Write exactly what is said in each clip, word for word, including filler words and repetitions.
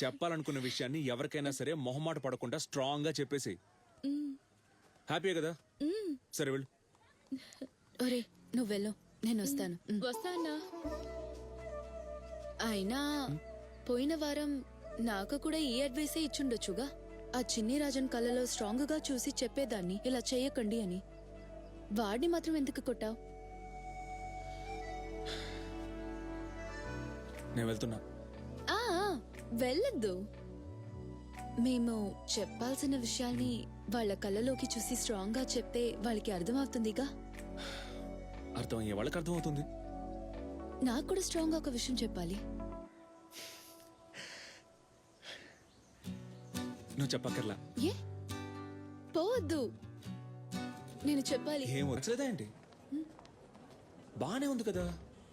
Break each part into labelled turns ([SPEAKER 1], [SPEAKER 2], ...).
[SPEAKER 1] చెప్పాలనుకున్న విషయాన్ని ఎవరికైనా సరే మొహమాట పడకుండా స్ట్రాంగ్ గా చెప్పేసి హ్యాపీయే కదా సరే వెళ్ళు.
[SPEAKER 2] ఒరే నువ్వు వెళ్ళు, నేను వస్తాను.
[SPEAKER 3] వస్తా అన్నా.
[SPEAKER 2] అయినా పోయిన వారం నాకు కూడా ఈ అడ్వైసే ఇచ్చుండొచ్చుగా. ఆ చిన్ని రాజన్ కళ్ళలో స్ట్రాంగ్ గా చూసి చెప్పేదాన్ని ఇలా చేయకండి అని. వాడిని మాత్రం ఎందుకు కొట్టావు?
[SPEAKER 1] నేను వెళ్తున్నా.
[SPEAKER 2] ఆ వెళ్ళొద్దు. మేము చెప్పాల్సిన విషయాల్ని వాళ్ళ కళ్ళలోకి చూసి స్ట్రాంగ్ గా చెప్తే వాళ్ళకి అర్థమవుతుందిగా.
[SPEAKER 1] అర్థం అయ్యే వాళ్ళకి అర్థం అవుతుంది.
[SPEAKER 2] నాకు కూడా స్ట్రాంగ్ గా ఒక విషయం చెప్పాలి.
[SPEAKER 1] నువ్వు చెప్పక్కర్లా.
[SPEAKER 2] ఏ పోవద్దు, నేను చెప్పాలి.
[SPEAKER 1] ఏం వచ్చలేదా ఏంటి? బానే ఉంది కదా.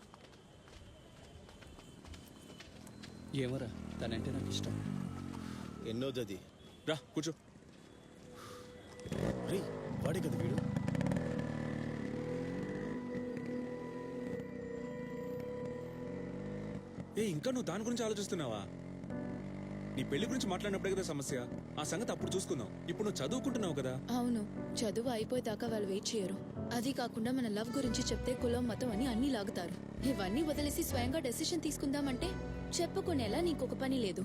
[SPEAKER 4] ఏమరా తనంటే నాకు ఇష్టం.
[SPEAKER 5] ఎన్నోదది
[SPEAKER 1] రా కూర్చో.
[SPEAKER 5] రే వాడే కదా వీడు.
[SPEAKER 1] ఏ ఇంకా నువ్వు దాని గురించి ఆలోచిస్తున్నావా? నీ పెళ్లి గురించి మాట్లాడినప్పుడే కదా సమస్య. ఆ సంగతి అప్పుడు చూసుకుందాం. ఇప్పుడు నువ్వు చదువుకుంటున్నావు కదా.
[SPEAKER 2] అవును, చదువు అయిపోయేదాకా వాళ్ళు వెయిట్ చేయరు. అది కాకుండా మన లవ్ గురించి చెప్తే కులం మతం అని అన్ని లాగుతారు. ఇవన్నీ వదిలేసి స్వయంగా డెసిషన్ తీసుకుందామంటే చెప్పుకునేలా నీకొక పని లేదు.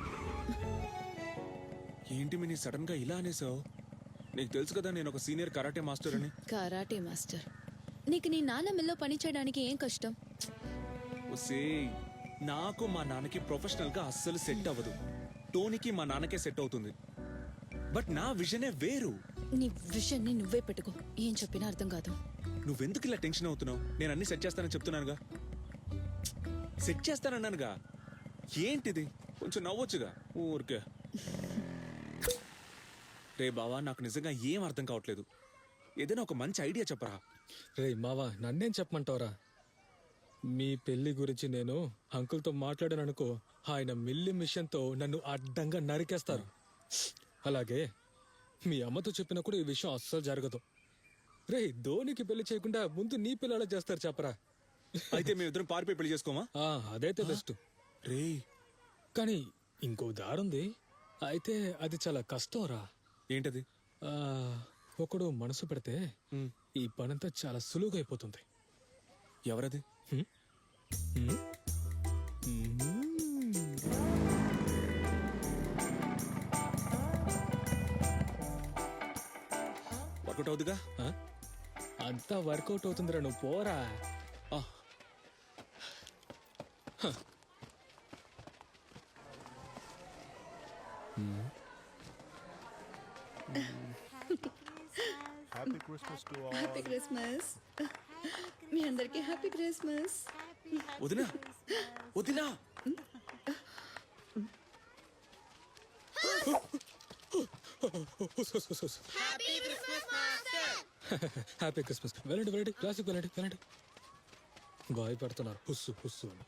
[SPEAKER 1] ఏంటి మీ సడన్ గా ఇలా అనేసావు? నీకు తెలుసు కదా నేను ఒక సీనియర్ కరాటే మాస్టర్ అని.
[SPEAKER 2] Karate master? నీకు నీ నాన్న మిల్లో పని చేయడానికి ఏం కష్టం?
[SPEAKER 1] ఒసేయ్, నాకు మా నాన్నకి ప్రొఫెషనల్ గా అస్సలు సెట్ అవ్వదు. టోనీకి మా నాన్నకే సెట్ అవుతుంది. బట్ నా విజనే వేరు.
[SPEAKER 2] నీ విషయాన్ని నువ్వే పెట్టుకో, ఏం చెప్పినా అర్థం కాదు.
[SPEAKER 1] నువ్వెందుకు ఇలా టెన్షన్ అవుతున్నావు? నేను అన్ని సెట్ చేస్తానని చెప్తున్నానుగా. సెట్ చేస్తానన్నానుగా. ఏంటిది? కొంచెం నవ్వొచ్చుగా ఊరికే. రే బావా, నాకు నిజంగా ఏం అర్థం కావట్లేదు. ఏదైనా ఒక మంచి ఐడియా చెప్పరా.
[SPEAKER 6] రే మావా, నన్నేం చెప్పమంటావురా? మీ పెళ్లి గురించి నేను అంకుల్తో మాట్లాడాను అనుకో, ఆయన మిల్లి మిషన్తో నన్ను అడ్డంగా నరికేస్తారు. అలాగే మీ అమ్మతో చెప్పినా కూడా ఈ విషయం అస్సలు జరగదు. రే ధోనికి పెళ్లి చేయకుండా ముందు నీ పిల్లలా చేస్తారు చెప్పరా.
[SPEAKER 1] అయితే మేమిద్దరం పారిపోయి పెళ్లి చేసుకోమా?
[SPEAKER 6] ఆ, అదైతే బెస్ట్.
[SPEAKER 1] రే
[SPEAKER 6] కానీ ఇంకో దారుంది. అయితే అది చాలా కష్టం రా.
[SPEAKER 1] ఏంటది?
[SPEAKER 6] ఆ, ఒకడు మనసు పెడితే ఈ పనంతా చాలా సులువుగా అయిపోతుంది.
[SPEAKER 1] ఎవరది?
[SPEAKER 6] హ్మ్? హ్మ్? హ్మ్?
[SPEAKER 1] వర్కౌట్ అవుతుందిగా.
[SPEAKER 6] ఆ? అంతా వర్కౌట్ అవుతుందిరా, నువ్వు పోరా.
[SPEAKER 1] ఆ,
[SPEAKER 5] happy Christmas to all.
[SPEAKER 2] Happy Christmas. మీ అందరికి హ్యాపీ క్రిస్మస్.
[SPEAKER 1] వదినా వదినా
[SPEAKER 6] హ్యాపీ క్రిస్మస్. వెళ్ళండి వెళ్ళండి, క్లాసిక్ వెళ్ళండి వెళ్ళండి. బాయ్ పెడుతున్నారు హుస్సు హుస్సు అని.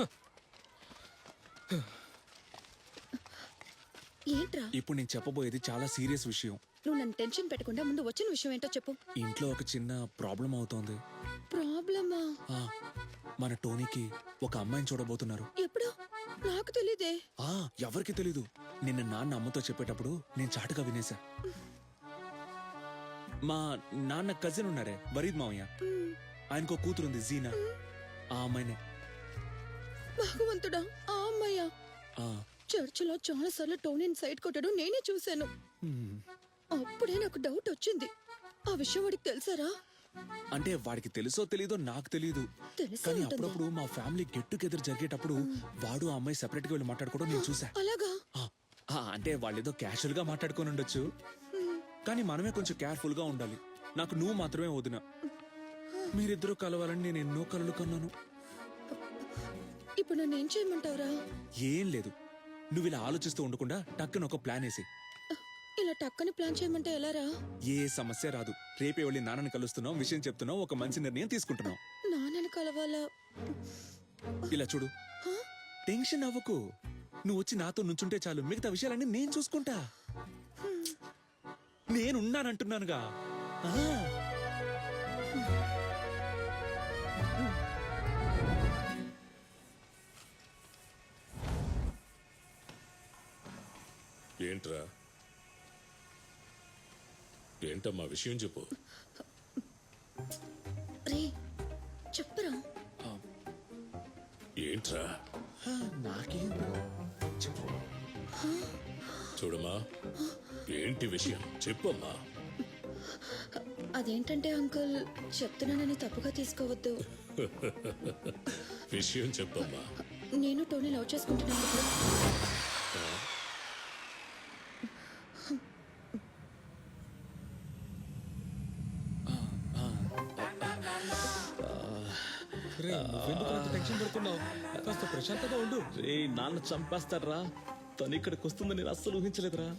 [SPEAKER 2] ఏంట్రా
[SPEAKER 1] ఇప్పుడు నేను చెప్పబోయేది చాలా సీరియస్ విషయం.
[SPEAKER 2] నువ్వు నన్ను టెన్షన్ పెట్టకుండా ముందు వచ్చిన విషయం ఏంటో చెప్పు.
[SPEAKER 1] ఇంట్లో ఒక చిన్న ప్రాబ్లం అవుతోంది.
[SPEAKER 2] ప్రాబ్లమా?
[SPEAKER 1] ఆ, మన టోనీకి ఒక అమ్మాయిని చూడబోతున్నారు.
[SPEAKER 2] ఎప్పుడు? నాకు తెలీదే.
[SPEAKER 1] ఆ ఎవరికి తెలీదు. నిన్న నాన్న అమ్మతో చెప్పేటప్పుడు నేను చాటుగా వినేశా. మా నాన్న కజిన్ ఉన్నారే వరీద్ మావయ్య, ఆయనకో కూతురుంది జీనా. ఆ అమ్మాయినే.
[SPEAKER 2] భగవంతుడా, ఆ అమ్మాయ్యా?
[SPEAKER 1] ఆ,
[SPEAKER 2] చర్చిలో చాలా సార్లు టోనీని సైడ్ కొట్టడం నేనే చూశాను.
[SPEAKER 1] హ్మ్.
[SPEAKER 2] అప్పుడే నాకు డౌట్ వచ్చింది. ఆ విషయం వాడికి తెలుసారా?
[SPEAKER 1] అంటే వాడికి తెలుసో తెలీదో నాకు తెలీదు.
[SPEAKER 2] తెలిసే
[SPEAKER 1] కానీ
[SPEAKER 2] ఉంటుంది.
[SPEAKER 1] అప్పుడప్పుడు మా ఫ్యామిలీ గెట్ టుగెదర్ జరిగేటప్పుడు వాడు ఆ అమ్మాయి సెపరేట్ గా వెళ్ళి మాట్లాడుకోవడం నేను చూసా.
[SPEAKER 2] అలాగా?
[SPEAKER 1] ఆ, ఆ, అంటే వాళ్ళేదో క్యాషువల్ గా మాట్లాడుకొని ఉండొచ్చు, కానీ మనమే కొంచెం కేర్ఫుల్ గా ఉండాలి. నాకు నువ్వు మాత్రమే వదిన. మీరిద్దరూ కలవాలని నేను ఎన్నో కలలు కన్నాను.
[SPEAKER 2] ఇప్పుడు నన్ను ఏం చేయమంటావురా?
[SPEAKER 1] ఏం లేదు, నువ్వు ఇలా ఆలోచిస్తూ ఉండకుండా టక్కున ఒక ప్లాన్ వేసి.
[SPEAKER 2] ఇలా టక్కని ప్లాన్ చేయమంటే ఎలారా?
[SPEAKER 1] ఏ సమస్య రాదు. రేపే వెళ్ళి నాన్నని కలుస్తున్నావు, విషయం చెప్తున్నావు, ఒక మంచి నిర్ణయం తీసుకుంటున్నావు.
[SPEAKER 2] నాన్నని కలవాలా?
[SPEAKER 1] ఇలా చూడు, టెన్షన్ అవ్వకు. నువ్వు వచ్చి నాతో నుంచుంటే చాలు, మిగతా విషయాలన్నీ నేను చూసుకుంటా. నేనున్నానంటున్నానుగా. ఆ.
[SPEAKER 3] ఏంట్రా ఏంటమ్మా విషయం చెప్పు.
[SPEAKER 2] రే చెప్పరా.
[SPEAKER 3] ఏంట్రా
[SPEAKER 1] నాకేం
[SPEAKER 3] చూడమ్మా, ఏంటి విషయం చెప్పమ్మా.
[SPEAKER 2] అదేంటంటే అంకుల్, చెప్తున్నానని తప్పుగా తీసుకోవద్దు.
[SPEAKER 3] విషయం చెప్పమ్మా.
[SPEAKER 2] నేను టోనీ లవ్ చేసుకుంటున్నాను ఇప్పుడు.
[SPEAKER 6] రే నువ్వెందుకు అంత టెన్షన్ పడుతున్నావు? కాస్త ప్రశాంతంగా ఉండు.
[SPEAKER 4] రే నాన్న చంపేస్తాడ్రా. తను ఇక్కడికి వస్తుందని నేను అస్సలు ఊహించలేదురా.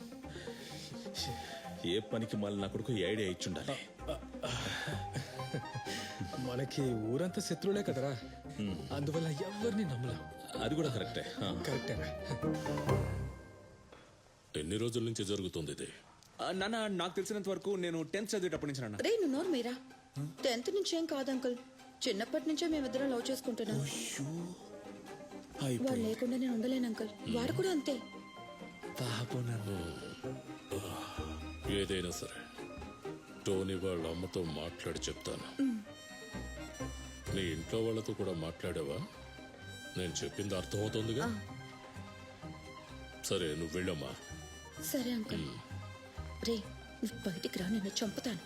[SPEAKER 4] ఏ పనికి మళ్ళీ నా కొడుకు ఈ ఐడియా ఇచ్చుండాలి.
[SPEAKER 6] మనకి ఊరంతా శత్రువులే కదరా, అందువల్ల ఎవరిని నమ్మలేం.
[SPEAKER 4] అది కూడా కరెక్టే. ఆ.
[SPEAKER 6] కరెక్టేనా?
[SPEAKER 3] ఎన్ని రోజుల నుంచి జరుగుతుంది ఇది?
[SPEAKER 1] నాన్న, నాకు తెలిసినంత వరకు నేను టెన్త్ చదివేటప్పటి నుంచి నాన్న.
[SPEAKER 2] రే నువ్వు నోరు మీరా. టెన్త్ నుంచి ఏం కాదు అంకుల్, చిన్నప్పటి నుంచే మేమిద్దరం లవ్ చేసుకుంటున్నాం. వాడు లేకుండా నేను ఉండలేను అంకుల్. వాడు కూడా అంతే.
[SPEAKER 1] పాపం నాన్న.
[SPEAKER 3] ఏదైనా సరే టోనీ వాళ్ళ అమ్మతో మాట్లాడి చెప్తాను. నీ ఇంట్లో వాళ్ళతో కూడా మాట్లాడావా? నేను చెప్పింది అర్థమవుతుందిగా. సరే నువ్వు వెళ్ళమ్మా.
[SPEAKER 2] సరే అంకుల్. రే నువ్వు బయటికి రా, నేను చంపుతాను.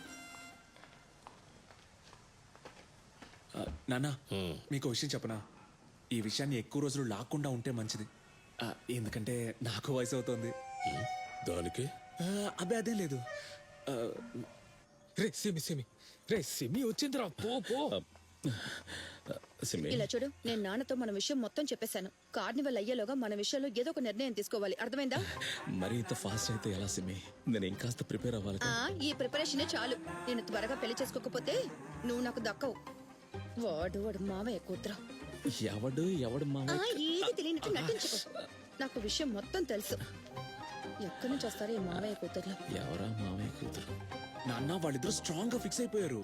[SPEAKER 1] ఆ, నాన్న,
[SPEAKER 3] హ్మ్.
[SPEAKER 1] మీకు విషయం చెప్పనా? ఈ విషయాన్ని ఎక్కువ రోజులు లాక్కుండా ఉంటే మంచిది. ఆ, ఎందుకంటే నాకు వయసు అవుతోంది.
[SPEAKER 3] ఉమ్, దానికి
[SPEAKER 1] ఆ, అబ్బే అదేం లేదు. ఆ,
[SPEAKER 6] రే సిమి సిమి రే సిమి వచ్చిందిరా. పో పో.
[SPEAKER 4] సిమి,
[SPEAKER 2] ఇలా చూడు, నేను నాన్నతో మన విషయం మొత్తం చెప్పేశాను. కార్నివల్ అయ్యేలోగా మన విషయంలో ఏదో ఒక నిర్ణయం తీసుకోవాలి, అర్థమైందా?
[SPEAKER 4] మరి ఇంత ఫాస్ట్ అయితే ఎలా సిమి? నేను ఇంకాస్త ప్రిపేర్ అవ్వాలి
[SPEAKER 2] ఆ
[SPEAKER 4] కదా.
[SPEAKER 2] ఈ ప్రిపరేషనే చాలు. నేను త్వరగా పెళ్లి చేసుకోకపోతే నువ్వు నాకు దక్కవు. వాడు వాడు మావయ్య కూతురు.
[SPEAKER 4] ఎవడు ఎవడు మా
[SPEAKER 2] ఆ, ఏది తెలియనట్టు నటించుకో. నాకు విషయం మొత్తం తెలుసు. ఎక్కడి నుంచి వస్తారో ఈ మావయ్య కూతుర్లు.
[SPEAKER 4] ఎవరా మామయ్య కూతురు?
[SPEAKER 1] నాన్న, వాళ్ళిద్దరూ స్ట్రాంగ్ గా ఫిక్స్ అయిపోయారు.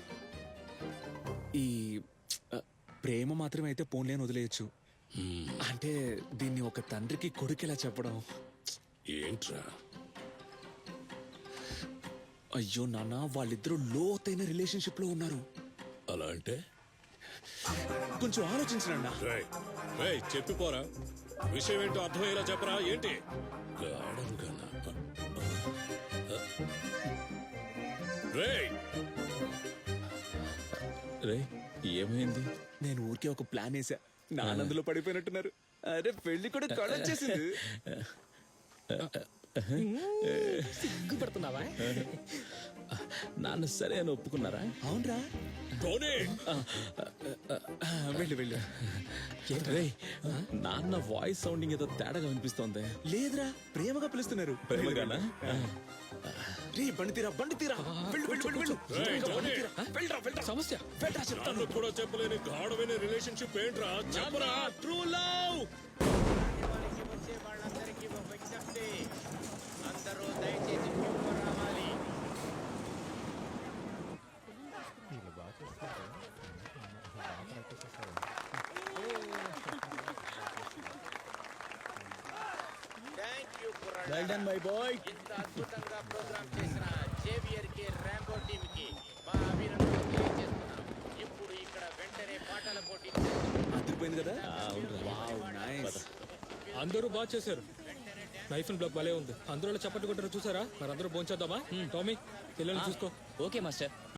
[SPEAKER 1] ఈ ఆ, ప్రేమ మాత్రమే అయితే పోన్లేని వదిలేయచ్చు. అంటే దీన్ని ఒక తండ్రికి కొడుకెలా చెప్పడం?
[SPEAKER 3] ఏంట్రా?
[SPEAKER 1] అయ్యో నాన్న, వాళ్ళిద్దరూ లోతైన రిలేషన్షిప్ లో ఉన్నారు.
[SPEAKER 3] అలా అంటే
[SPEAKER 1] కొంచెం ఆలోచించండి.
[SPEAKER 3] రేయ్, రేయ్, చెప్పిపోరా. విషయం ఏంటో అర్థమయ్యేలా చెప్పరా. ఏంటి గాఢంగానా? రేయ్,
[SPEAKER 4] రే ఏమైంది?
[SPEAKER 1] నేను ఊరికే ఒక ప్లాన్ వేసా. నా ఆనందంలో పడిపోయినట్టున్నారు. అరే పెళ్లి కూడా కళొచ్చేసింది.
[SPEAKER 6] సిగ్గుపడుతున్నావా?
[SPEAKER 4] నాన్న సరే అని ఒప్పుకున్నారా?
[SPEAKER 1] అవునరా?
[SPEAKER 3] టోనీ,
[SPEAKER 1] వెళ్ళు వెళ్ళు.
[SPEAKER 4] రే నాన్న వాయిస్ సౌండింగ్ ఏదో తేడాగా వినిపిస్తోంది.
[SPEAKER 1] లేదురా, ప్రేమగా పిలుస్తున్నారు.
[SPEAKER 4] ప్రేమగానా?
[SPEAKER 1] రే బండి తీరా, బండి తీరా. వెళ్ళు వెళ్ళు వెళ్ళు వెళ్ళు.
[SPEAKER 3] రేయ్, టోనీ,
[SPEAKER 1] వెళ్ళరా వెళ్ళరా.
[SPEAKER 6] సమస్య
[SPEAKER 1] వెళ్ళరా చెప్తాను.
[SPEAKER 3] నన్ను కూడా చెప్పలేని గాఢమైన రిలేషన్షిప్ ఏంట్రా? చెప్పరా.
[SPEAKER 4] True love.
[SPEAKER 7] వచ్చే వాళ్ళందరికీ ఒక విజ్ఞప్తి, అందరూ దయచేసి క్యూలో రావాలి. థ్యాంక్ యూ కుర్రాళ్ళ.
[SPEAKER 5] Well done my boy.
[SPEAKER 7] ఇంత అద్భుతంగా ప్రోగ్రామ్ చేసిన జేవియర్ కి, ర్యాంబో టీమ్ కి మా అభినందనలు తెలియజేస్తున్నాం. ఇప్పుడు ఇక్కడ వెంటనే పాటల పోటీ
[SPEAKER 1] అదిరిపోయింది కదా. Wow, nice.
[SPEAKER 6] అందరూ బాగా చేశారు. నైఫ్ అండ్ బ్లాక్ భలే ఉంది. అందరూ చప్పట్లు కొట్టారు చూసారా? మరి అందరూ భోంచేద్దామా? టామీ పిల్లల్ని చూసుకో.
[SPEAKER 4] Okay master.